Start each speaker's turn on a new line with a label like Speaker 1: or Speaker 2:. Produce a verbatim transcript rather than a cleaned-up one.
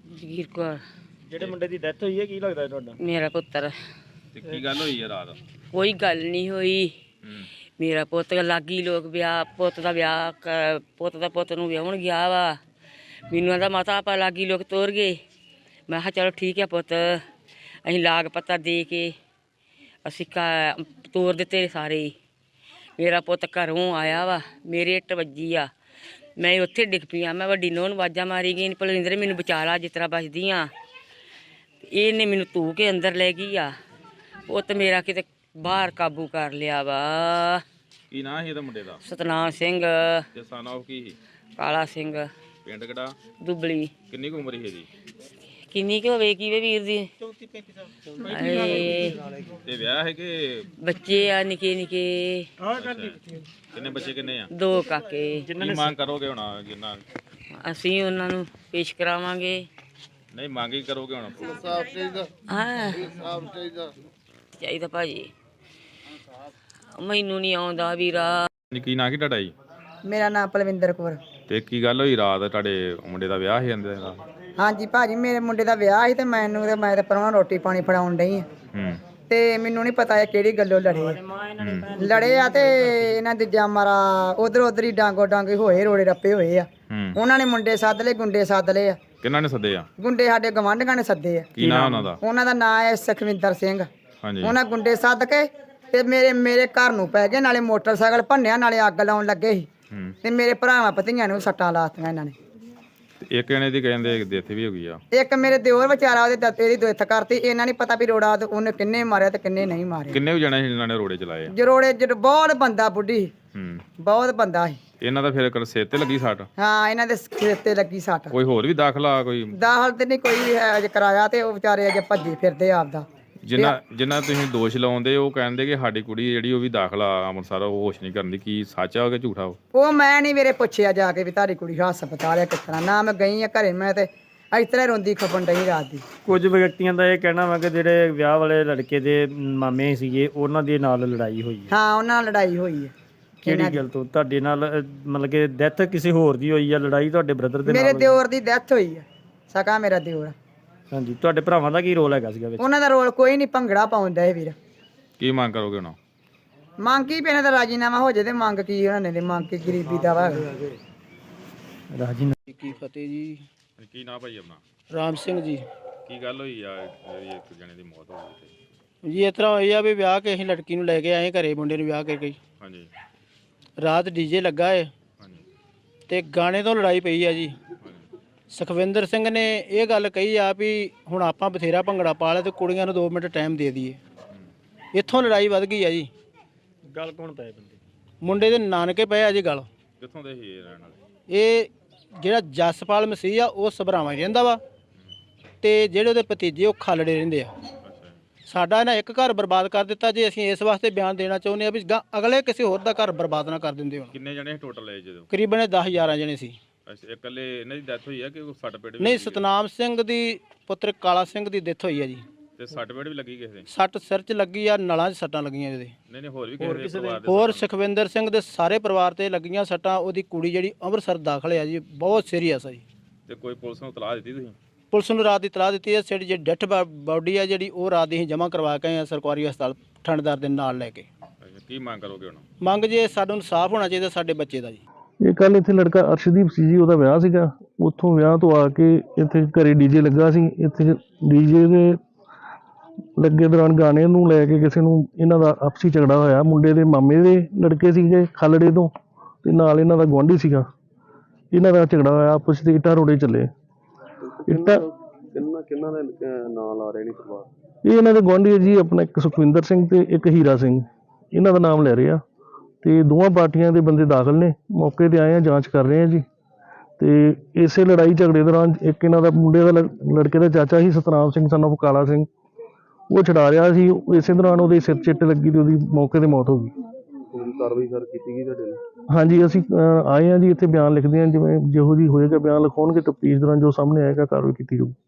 Speaker 1: ਜਗੀਰ ਕੌਰ।
Speaker 2: ਜਿਹੜੇ ਮੁੰਡੇ ਦੀ ਡੈਥ ਹੋਈ ਹੈ ਕੀ ਲੱਗਦਾ ਤੁਹਾਡਾ?
Speaker 1: ਮੇਰਾ ਪੁੱਤਰ।
Speaker 3: ਤੇ ਕੀ ਗੱਲ ਹੋਈ ਹੈ ਰਾਤ?
Speaker 1: ਕੋਈ ਗੱਲ ਨਹੀਂ ਹੋਈ। ਮੇਰਾ ਪੁੱਤ ਲਾਗੀ ਲੋਕ ਵਿਆਹ ਪੁੱਤ ਦਾ ਵਿਆਹ ਕ- ਪੁੱਤ ਦਾ ਪੁੱਤ ਨੂੰ ਵਿਆਹਣ ਗਿਆ ਵਾ। ਮੈਨੂੰ ਆਂਦਾ ਮਾਤਾ ਆਪਾਂ ਲਾਗੀ ਲੋਕ ਤੋਰ ਗਏ। ਮੈਂ ਕਿਹਾ ਚਲੋ ਠੀਕ ਹੈ ਪੁੱਤ, ਅਸੀਂ ਲਾਗ ਪੱਤਾ ਦੇ ਕੇ ਅਸੀਂ ਘ- ਤੋਰ ਦਿੱਤੇ ਸਾਰੇ ਹੀ। ਮੇਰਾ ਪੁੱਤ ਘਰੋਂ ਆਇਆ ਵਾ, ਮੇਰੇ ਇੱਟ ਵੱਜੀ ਆ, ਮੈਂ ਉੱਥੇ ਡਿੱਗ ਪਈ ਆ। ਮੈਂ ਵੱਡੀ ਨੂੰਹ ਨੂੰ ਆਵਾਜ਼ਾਂ ਮਾਰੀ ਗਈ, ਭਲਿੰਦਰ ਮੈਨੂੰ ਬਚਾ ਲਾ ਜਿਸ ਤਰ੍ਹਾਂ ਬਚਦੀ ਆ। ਇਹਨੇ ਮੈਨੂੰ ਧੂ ਕੇ ਅੰਦਰ ਲੈ ਗਈ ਆ। ਪੁੱਤ ਮੇਰਾ ਕਿਤੇ ਬਾਹਰ ਕਾਬੂ ਕਰ ਲਿਆ ਵਾ।
Speaker 3: ਕੀ ਨਾਂ ਸੀ ਇਹਦਾ ਮੁੰਡੇ ਦਾ?
Speaker 1: ਸਤਨਾਮ ਸਿੰਘ।
Speaker 3: ਤੇ ਸਨ ਆਫ ਕੀ ਸੀ?
Speaker 1: ਕਾਲਾ ਸਿੰਘ।
Speaker 3: ਪਿੰਡ ਕਿਹੜਾ?
Speaker 1: ਦੁਬਲੀ।
Speaker 3: ਕਿੰਨੀ ਕੁ ਉਮਰ ਸੀ ਇਹਦੀ?
Speaker 1: ਕਿੰਨੀ ਕੁ ਹੋਵੇ ਕੀ ਵੇ ਵੀਰ ਦੀ?
Speaker 2: ਚੌਂਤੀ ਪੈਂਤੀ ਸਾਲ।
Speaker 1: ਹਾਏ,
Speaker 3: ਤੇ ਵਿਆਹ ਹੈ ਕਿ
Speaker 1: ਬੱਚੇ ਆ ਨਿੱਕੇ ਨਿੱਕੇ।
Speaker 3: ਕਿੰਨੇ ਬੱਚੇ ਕਿੰਨੇ ਆ?
Speaker 1: ਦੋ ਕਾਕੇ।
Speaker 3: ਕੀ ਮੰਗ ਕਰੋਗੇ ਹੁਣ ਜਿੰਨਾ?
Speaker 1: ਅਸੀਂ ਉਹਨਾਂ ਨੂੰ ਪੇਸ਼ ਕਰਾਵਾਂਗੇ।
Speaker 3: ਨਹੀਂ ਮੰਗ ਹੀ ਕਰੋਗੇ ਹੁਣ?
Speaker 1: ਹਾਂ ਚਾਹੀਦਾ ਭਾਜੀ, ਮੈਨੂੰ ਨਹੀਂ ਆਉਂਦਾ ਵੀਰਾ।
Speaker 3: ਕੀ ਨਾਂ ਕੀ ਤੁਹਾਡਾ ਜੀ?
Speaker 4: ਮੇਰਾ ਨਾਮ ਪਲਵਿੰਦਰ ਕੌਰ।
Speaker 3: ਤੇ ਕੀ ਗੱਲ ਹੋਈ ਰਾਤ ਤੁਹਾਡੇ ਮੁੰਡੇ ਦਾ ਵਿਆਹ ਸੀ ਜਾਂਦੇ ਦਾ?
Speaker 4: ਹਾਂਜੀ ਭਾਜੀ, ਮੇਰੇ ਮੁੰਡੇ ਦਾ ਵਿਆਹ ਸੀ ਤੇ ਮੈਨੂੰ ਤੇ ਮੈਂ ਤੇ ਪਰਵਾਹ ਰੋਟੀ ਪਾਣੀ ਫੜਾਉਣ ਡਈ ਆ।
Speaker 3: ਹੂੰ।
Speaker 4: ਤੇ ਮੈਨੂੰ ਨਹੀਂ ਪਤਾ ਇਹ ਕਿਹੜੀ ਗੱਲੋਂ ਲੜੇ ਆ। ਲੜੇ ਆ ਤੇ ਇਹਨਾਂ ਦੇ ਜਾਮਰਾ ਉਧਰ ਉਧਰ ਹੀ ਡਾਂਗੋ ਡਾਂਗੇ ਹੋਏ, ਰੋੜੇ ਰੱਪੇ ਹੋਏ ਆ।
Speaker 3: ਹੂੰ।
Speaker 4: ਉਹਨਾਂ ਨੇ ਮੁੰਡੇ ਸੱਦ ਲਏ, ਗੁੰਡੇ ਸੱਦ ਲਏ ਆ।
Speaker 3: ਕਿਹਨਾਂ ਨੇ ਸੱਦੇ ਆ?
Speaker 4: ਗੁੰਡੇ ਸਾਡੇ ਗਵਾਂਢੀਆਂ ਨੇ ਸੱਦੇ ਆ।
Speaker 3: ਕੀ ਨਾਂ ਉਹਨਾਂ ਦਾ?
Speaker 4: ਉਹਨਾਂ ਦਾ ਨਾਂ ਹੈ ਸੁਖਵਿੰਦਰ ਸਿੰਘ।
Speaker 3: ਹਾਂਜੀ।
Speaker 4: ਉਹਨਾਂ ਗੁੰਡੇ ਸੱਦ ਕੇ ਤੇ ਮੇਰੇ ਮੇਰੇ ਘਰ ਨੂੰ ਪੈ ਗਏ, ਨਾਲੇ ਮੋਟਰਸਾਈਕਲ ਭੰਨਿਆ, ਨਾਲੇ ਅੱਗ ਲਾਉਣ ਲੱਗੇ ਸੀ।
Speaker 3: ਹੂੰ।
Speaker 4: ਤੇ ਮੇਰੇ ਭਰਾਵਾਂ ਪਤੀਆਂ ਨੂੰ ਸੱਟਾਂ ਲਾਤੀਆਂ ਇਹਨਾਂ ਨੇ।
Speaker 3: ਤੇ ਇੱਕ ਜਣੇ ਦੀ ਕਹਿੰਦੇ ਡੈਥ ਵੀ ਹੋ ਗਈ ਆ।
Speaker 4: ਇੱਕ ਮੇਰੇ ਦਿਓਰ ਵਿਚਾਰਾ ਉਹਦੇ ਦਾਤੇ ਦੀ ਦੁੱਖ ਕਰਤੀ। ਇਹਨਾਂ ਨਹੀਂ ਪਤਾ ਵੀ ਰੋੜਾ ਉਹਨੇ ਕਿੰਨੇ ਮਾਰਿਆ ਤੇ ਕਿੰਨੇ ਨਹੀਂ ਮਾਰਿਆ।
Speaker 3: ਕਿੰਨੇ ਕੁ ਜਣੇ ਸੀ ਜਿਨ੍ਹਾਂ ਨੇ ਰੋੜੇ ਚਲਾਏ ਆ?
Speaker 4: ਜਰੋੜੇ ਜਰ ਬਹੁਤ ਬੰਦਾ ਬੁੱਢੀ।
Speaker 3: ਹੂੰ।
Speaker 4: ਬਹੁਤ ਬੰਦਾ ਸੀ।
Speaker 3: ਇਹਨਾਂ ਦਾ ਫਿਰ ਸਿਰ ਤੇ ਲੱਗੀ ਸੱਟ?
Speaker 4: ਹਾਂ, ਇਹਨਾਂ ਦੇ ਸਿਰ ਤੇ ਲੱਗੀ ਸੱਟ।
Speaker 3: ਕੋਈ ਹੋਰ ਵੀ ਦਾਖਲਾ? ਕੋਈ
Speaker 4: ਦਾਖਲ ਤੇ ਨਹੀਂ ਕੋਈ ਹੈ ਅਜੇ ਕਰਾਇਆ, ਤੇ ਉਹ ਵਿਚਾਰੇ ਅਜੇ ਭੱਜੇ ਫਿਰਦੇ ਆਪਦਾ।
Speaker 3: ਜਿੰਨਾ ਜਿੰਨਾ ਤੁਸੀਂ ਦੋਸ਼ ਲਾਉਂਦੇ ਉਹ ਕਹਿੰਦੇ ਕਿ ਸਾਡੀ ਕੁੜੀ ਜਿਹੜੀ ਉਹ ਵੀ ਦਾਖਲਾ ਅੰਮ੍ਰਿਤਸਰ ਉਹ ਹੋਸ਼ ਨਹੀਂ ਕਰਦੀ। ਕੀ ਸੱਚ ਆ ਕਿ ਝੂਠਾ?
Speaker 4: ਉਹ ਮੈਂ ਨਹੀਂ ਵੀਰੇ ਪੁੱਛਿਆ ਜਾ ਕੇ ਵੀ ਤੁਹਾਡੀ ਕੁੜੀ ਹਸਪਤਾਲ ਹੈ ਕਿਸ ਤਰ੍ਹਾਂ। ਨਾ ਮੈਂ ਗਈ ਆ ਘਰੇ, ਮੈਂ ਤੇ ਇਸ ਤਰ੍ਹਾਂ ਰੋਂਦੀ ਖਪਣ ਡਈ ਰਾਤ ਦੀ।
Speaker 2: ਕੁਝ ਵਿਅਕਤੀਆਂ ਦਾ ਇਹ ਕਹਿਣਾ ਵਾ ਕਿ ਜਿਹੜੇ ਵਿਆਹ ਵਾਲੇ ਲੜਕੇ ਦੇ ਮਾਮੇ ਸੀਗੇ ਉਹਨਾਂ ਦੇ ਨਾਲ ਲੜਾਈ ਹੋਈ ਹੈ।
Speaker 4: ਹਾਂ, ਉਹਨਾਂ ਨਾਲ ਲੜਾਈ ਹੋਈ ਹੈ।
Speaker 2: ਕਿਹੜੀ ਗੱਲ ਤੋਂ? ਤੁਹਾਡੇ ਨਾਲ ਅਹ, ਮਤਲਬ ਕਿ ਡੈਥ ਕਿਸੇ ਹੋਰ ਦੀ ਹੋਈ ਆ? ਲੜਾਈ ਤੁਹਾਡੇ ਬ੍ਰਦਰ ਦੇ ਨਾਲ
Speaker 4: ਮੇਰੇ
Speaker 2: ਹੋਈ?
Speaker 4: ਦਿਓਰ ਦੀ ਡੈਥ ਹੋਈ ਹੈ, ਸਕਾ ਮੇਰਾ ਦਿਓਰ।
Speaker 2: ਹਾਂਜੀ। ਤੁਹਾਡੇ ਭਰਾਵਾਂ ਦਾ ਕੀ ਰੋਲ ਹੈਗਾ ਸੀਗਾ ਵਿੱਚ?
Speaker 4: ਉਹਨਾਂ ਦਾ ਰੋਲ ਕੋਈ ਨਹੀਂ, ਭੰਗੜਾ ਪਾਉਂਦਾ ਇਹ ਵੀਰ।
Speaker 3: ਕੀ ਮੰਗ ਕਰੋਗੇ ਹੁਣ?
Speaker 4: ਮੰਗ ਕੀ ਪੈਣਾ ਤਾਂ ਰਾਜੀਨਾਮਾ ਹੋ ਜੇ। ਤੇ ਮੰਗ ਕੀ ਉਹਨਾਂ ਨੇ? ਮੰਗ ਕੀ ਗਰੀਬੀ ਦਾ ਵਾ।
Speaker 2: ਰਾਜੀ
Speaker 5: ਕੀ ਫਤਿਹ ਜੀ।
Speaker 3: ਕੀ ਨਾਂ ਭਾਈ ਆਪਣਾ?
Speaker 5: ਰਾਮ ਸਿੰਘ ਜੀ।
Speaker 3: ਕੀ ਗੱਲ ਹੋਈ ਆ ਜਿਹੜੀ ਇੱਕ ਜਣੇ ਦੀ ਮੌਤ ਹੋ ਗਈ?
Speaker 5: ਜੀ ਇਸ ਤਰ੍ਹਾਂ ਹੋਈ ਆ ਵੀ ਵਿਆਹ ਕੇ ਅਸੀਂ ਲੜਕੀ ਨੂੰ ਲੈ ਕੇ ਆਏ ਘਰੇ, ਮੁੰਡੇ ਨੂੰ ਵਿਆਹ ਕਰਕੇ।
Speaker 3: ਹਾਂਜੀ।
Speaker 5: ਰਾਤ ਡੀਜੇ ਲੱਗਾ ਏ
Speaker 3: ਹਾਂਜੀ।
Speaker 5: ਤੇ ਗਾਣੇ ਤੋਂ ਲੜਾਈ ਪਈ ਆ ਜੀ। ਸੁਖਵਿੰਦਰ ਸਿੰਘ ਨੇ ਇਹ ਗੱਲ ਕਹੀ ਆ ਵੀ ਹੁਣ ਆਪਾਂ ਬਥੇਰਾ ਭੰਗੜਾ ਪਾ ਲਿਆ ਤੇ ਕੁੜੀਆਂ ਨੂੰ ਦੋ ਮਿੰਟ ਟਾਈਮ ਦੇ ਦਈਏ। ਇੱਥੋਂ ਲੜਾਈ ਵੱਧ ਗਈ ਆ ਜੀ।
Speaker 2: ਗੱਲ ਕੌਣ ਪਏ ਬੰਦੇ?
Speaker 5: ਮੁੰਡੇ ਦੇ ਨਾਨਕੇ ਪਏ ਆ ਜੀ ਗੱਲ।
Speaker 3: ਕਿੱਥੋਂ ਦੇ ਸੀ ਇਹ ਰਹਿਣ ਵਾਲੇ?
Speaker 5: ਇਹ ਜਿਹੜਾ ਜਸਪਾਲ ਮਸੀਹ ਆ ਉਹ ਸਭਰਾਵਾਂ ਹੀ ਰਹਿੰਦਾ ਵਾ, ਤੇ ਜਿਹੜੇ ਉਹਦੇ ਭਤੀਜੇ ਉਹ ਖਾਲੜੇ ਰਹਿੰਦੇ ਆ। ਸਾਡਾ ਨਾ ਇੱਕ ਘਰ ਬਰਬਾਦ ਕਰ ਦਿੱਤਾ ਜੀ। ਅਸੀਂ ਇਸ ਵਾਸਤੇ ਬਿਆਨ ਦੇਣਾ ਚਾਹੁੰਦੇ ਆ ਵੀ ਗਾਂ ਅਗਲੇ ਕਿਸੇ ਹੋਰ ਦਾ ਘਰ ਬਰਬਾਦ ਨਾ ਕਰ ਦਿੰਦੇ ਹੋਣ।
Speaker 3: ਕਿੰਨੇ ਜਣੇ ਟੋਟਲ ਹੈ ਜਦੋਂ?
Speaker 5: ਕਰੀਬਨ ਦਸ ਗਿਆਰਾਂ ਜਣੇ ਸੀ।
Speaker 3: ਅੱਛਾ। ਇਕੱਲੇ ਇਹਨਾਂ ਦੀ ਡੈਥ ਹੋਈ ਆ ਕਿ ਸੱਟ ਪੇਟ ਵੀ?
Speaker 5: ਨਹੀਂ, ਸਤਨਾਮ ਸਿੰਘ ਦੀ ਪੁੱਤਰ ਕਾਲਾ ਸਿੰਘ ਦੀ ਡੈਥ ਹੋਈ ਆ ਜੀ।
Speaker 3: ਤੇ ਸੱਟ ਪੇਟ ਵੀ ਲੱਗੀ ਕਿਸੇ ਦੇ?
Speaker 5: ਸੱਟ ਸਿਰ 'ਚ ਲੱਗੀ ਆ, ਨਲਾਂ 'ਚ ਸੱਟਾਂ ਲੱਗੀਆਂ ਇਹਦੇ।
Speaker 3: ਨਹੀਂ ਨਹੀਂ ਹੋਰ ਵੀ ਕਿਸੇ ਦੇ ਪਰਿਵਾਰ ਦੇ?
Speaker 5: ਹੋਰ ਸੁਖਵਿੰਦਰ ਸਿੰਘ ਦੇ ਸਾਰੇ ਪਰਿਵਾਰ ਤੇ ਲੱਗੀਆਂ ਸੱਟਾਂ। ਉਹਦੀ ਕੁੜੀ ਜਿਹੜੀ ਅੰਮ੍ਰਿਤਸਰ ਦਾਖਲ ਆ ਜੀ, ਬਹੁਤ ਸੀਰੀਅਸ ਆ ਜੀ।
Speaker 3: ਤੇ ਕੋਈ ਪੁਲਿਸ ਨੂੰ ਇਤਲਾਹ ਦਿੱਤੀ ਤੁਸੀਂ?
Speaker 5: ਪੁਲਿਸ ਨੂੰ ਰਾਤ ਦੀ ਇਤਲਾਹ ਦਿੱਤੀ ਹੈ। ਜਿਹੜੀ ਡੈਥ ਬਾਡੀ ਆ ਜਿਹੜੀ ਉਹ ਰਾਤ ਦੀ ਅਸੀਂ ਜਮ੍ਹਾਂ ਕਰਵਾ ਕੇ ਆਏ ਆ ਸਰਕਾਰੀ ਹਸਪਤਾਲ ਠੰਡਦਾਰ ਦੇ ਨਾਲ ਲੈ ਕੇ।
Speaker 3: ਅੱਛਾ। ਕੀ ਮੰਗ ਕਰੋਗੇ ਹੁਣ?
Speaker 5: ਮੰਗ ਜੇ ਸਾਨੂੰ ਇਨਸਾਫ ਹੋਣਾ ਚਾਹੀਦਾ ਸਾਡੇ ਬੱਚੇ ਦਾ ਜੀ।
Speaker 6: ਇਹ ਕੱਲ ਇੱਥੇ ਲੜਕਾ ਅਰਸ਼ਦੀਪ ਸੀ ਜੀ, ਉਹਦਾ ਵਿਆਹ ਸੀਗਾ। ਉੱਥੋਂ ਵਿਆਹ ਤੋਂ ਆ ਕੇ ਇੱਥੇ ਘਰੇ ਡੀਜੇ ਲੱਗਾ ਸੀ। ਇੱਥੇ ਡੀਜੇ ਦੇ ਲੱਗੇ ਦੌਰਾਨ ਗਾਣੇ ਨੂੰ ਲੈ ਕੇ ਕਿਸੇ ਨੂੰ ਇਹਨਾਂ ਦਾ ਆਪਸੀ ਝਗੜਾ ਹੋਇਆ। ਮੁੰਡੇ ਦੇ ਮਾਮੇ ਦੇ ਲੜਕੇ ਸੀਗੇ ਖਾਲੜੇ ਤੋਂ, ਤੇ ਨਾਲ ਇਹਨਾਂ ਦਾ ਗੁਆਂਢੀ ਸੀਗਾ। ਇਹਨਾਂ ਦਾ ਝਗੜਾ ਹੋਇਆ, ਆਪਸ ਵਿੱਚ ਇੱਟਾਂ ਰੋੜੇ ਚੱਲੇ। ਇੱਟਾਂ
Speaker 7: ਕਿੰਨਾ ਕਿੰਨਾ ਦੇ ਨਾਂ ਲਾ ਰਹੇ ਨੇ ਪਰਿਵਾਰ?
Speaker 6: ਇਹ ਇਹਨਾਂ ਦੇ ਗੁਆਂਢੀ ਹੈ ਜੀ, ਆਪਣਾ ਇੱਕ ਸੁਖਵਿੰਦਰ ਸਿੰਘ ਤੇ ਇੱਕ ਹੀਰਾ ਸਿੰਘ, ਇਹਨਾਂ ਦਾ ਨਾਮ ਲੈ ਰਹੇ ਆ। ਤੇ ਦੋਵਾਂ ਪਾਰਟੀਆਂ ਦੇ ਬੰਦੇ ਦਾਖਲ ਨੇ, ਮੌਕੇ ਤੇ ਆਏ ਆ, ਜਾਂਚ ਕਰ ਰਹੇ ਆ ਜੀ। ਤੇ ਇਸੇ ਲੜਾਈ ਝਗੜੇ ਦੌਰਾਨ ਇੱਕ ਇਹਨਾਂ ਦਾ ਮੁੰਡੇ ਦਾ ਲੜਕੇ ਦਾ ਚਾਚਾ ਸੀ ਸਤਨਾਮ ਸਿੰਘ ਸਨ ਆਫ ਕਾਲਾ ਸਿੰਘ, ਉਹ ਛਡਾ ਰਿਹਾ ਸੀ। ਇਸੇ ਦੌਰਾਨ ਉਹਦੇ ਸਿਰ ਚਿੱਟ ਲੱਗੀ ਤੇ ਉਹਦੀ ਮੌਕੇ ਤੇ ਮੌਤ ਹੋ ਗਈ।
Speaker 7: ਕਾਰਵਾਈ ਸਰ ਕੀਤੀ ਗਈ ਤੁਹਾਡੇ ਨਾਲ?
Speaker 6: ਹਾਂਜੀ, ਅਸੀਂ ਆਏ ਹਾਂ ਜੀ, ਇੱਥੇ ਬਿਆਨ ਲਿਖਦੇ ਹਾਂ। ਜਿਵੇਂ ਜਿਹੋ ਜਿਹੀ ਹੋਏਗਾ ਬਿਆਨ ਲਿਖਾਉਣਗੇ, ਤਫਤੀਸ਼ ਦੌਰਾਨ ਜੋ ਸਾਹਮਣੇ ਆਏਗਾ ਕਾਰਵਾਈ ਕੀਤੀ ਜਾਊਗੀ।